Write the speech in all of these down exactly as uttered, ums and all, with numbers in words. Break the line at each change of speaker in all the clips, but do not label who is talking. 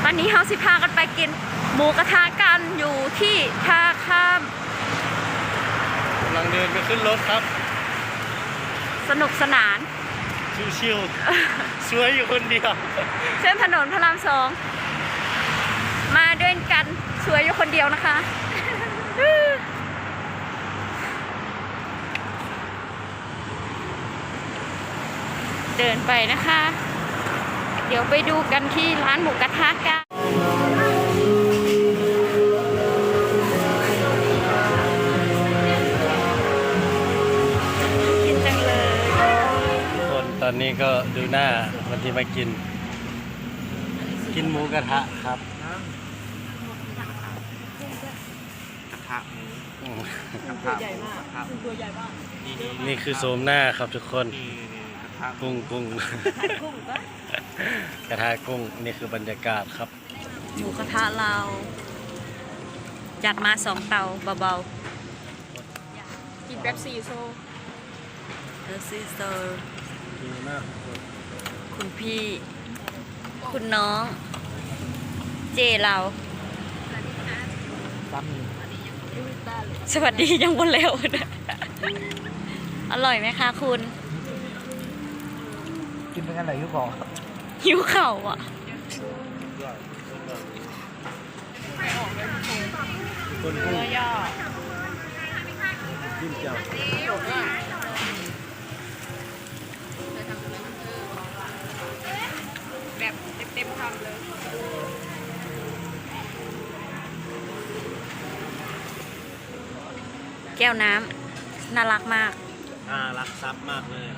วันนี้เฮาสิพากันไปกินหมูกระทะกันอยู่ที่ท่าข้าม
กำลังเดินไปขึ้นรถครับ
สนุกสนาน
ชิวๆสวยอยู่คนเดียว
เส้นถนนพระรามสองมาด้วยกันสวยอยู่คนเดียวนะคะเดินไปนะคะเดี๋ยวไปดูกันที่ร้านหมูกระทะกันกินจังเลย
ทุกคนตอนนี้ก็ดูหน้าวันที่มากินกินหมูกระทะครับ
กระทะหมู
ตัวใหญ่มากตัวใหญ่มาก
นี่คือโสมหน้าครับทุกคนกุ้งกุ้งกระทะกุ้งนี่คือบรรยากาศครับ
หมูกระทะเราจัดมาสองเตาเบาๆกินแบบซีโซ่เออซีโซ่
ดีมาก
คุณพี่คุณน้องเจเราสวัสดียังวันแล้วนะอร่อยไหมคะคุณ
กินเป็นกันไหนหิวเข่า
หิวเข่าอ่ะ
คนกุ้งย่อยิ้มเจ้า
แบบเต็มๆคำเลยแก้วน้ำน่ารักมาก
น่ารักซับมากเลย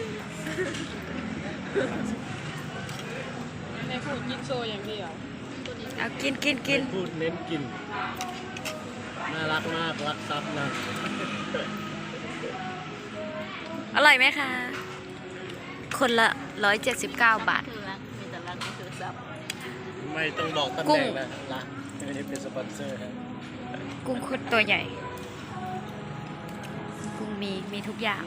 ในพูดกินโชว์อย่างเดียว
เอากินกินกิน
พูดเน้นกินน่ารักมากรักซับนะ
อร่อยไหมคะคนละร้อยเจ็ดสิบเก้าบาท
มีแต่รักก็คือซับ
ไม่ต้องบอกตำแหน่งนะรักไม่ได้เป็นสปอนเซอร์ครับ
กุ้งคุดตัวใหญ่กุ้งมีมีทุกอย่าง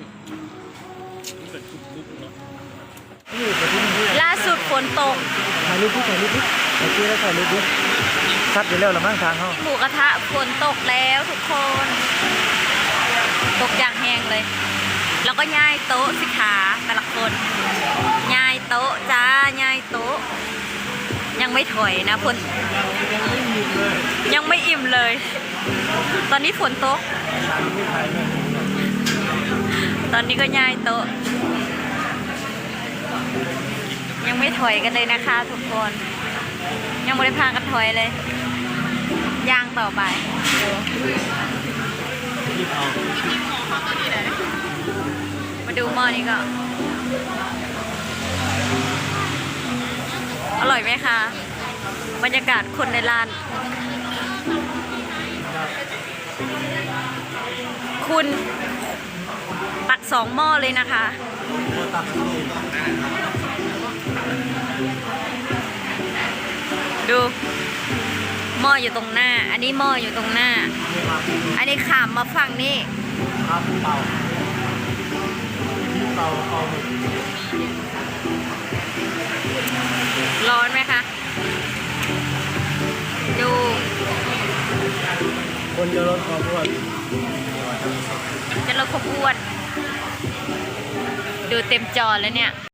ล่าสุดฝนตก
ถ่ายรูปพี่ถ่ายรูปพี่ถ่ายรูปแล้วถ่ายรูปพี่ซัดอยู่แล้วหรือมั่งทางเขา
หมูกระทะฝนตกแล้วทุกคนตกอย่างแห้งเลยแล้วก็ย่ายโต๊ะสิขาแต่ละคนย่ายโต๊ะจ้าย่ายโต๊ะยังไม่ถอยนะฝนยังไม่อิ่มเลยตอนนี้ฝนตกตอนนี้ก็ย่ายโต๊ะยังไม่ถอยกันเลยนะคะทุกคนยังไม่ได้พากันถอยเลยย่างต่อไปมาดูหม้อนี้ก็อร่อยไหมคะบรรยากาศคนในร้านคุณตักสองหม้อเลยนะคะดูหม้ออยู่ตรงหน้าอันนี้หม้ออยู่ตรงหน้าอันนี้ขามมาฝั่งนี้
ครับเป่าเป่าเป่า
ร้อนไหมคะดู
คนจะลดความอ้วน
จะลดความอ้วนดูเต็มจอแล้วเนี่ย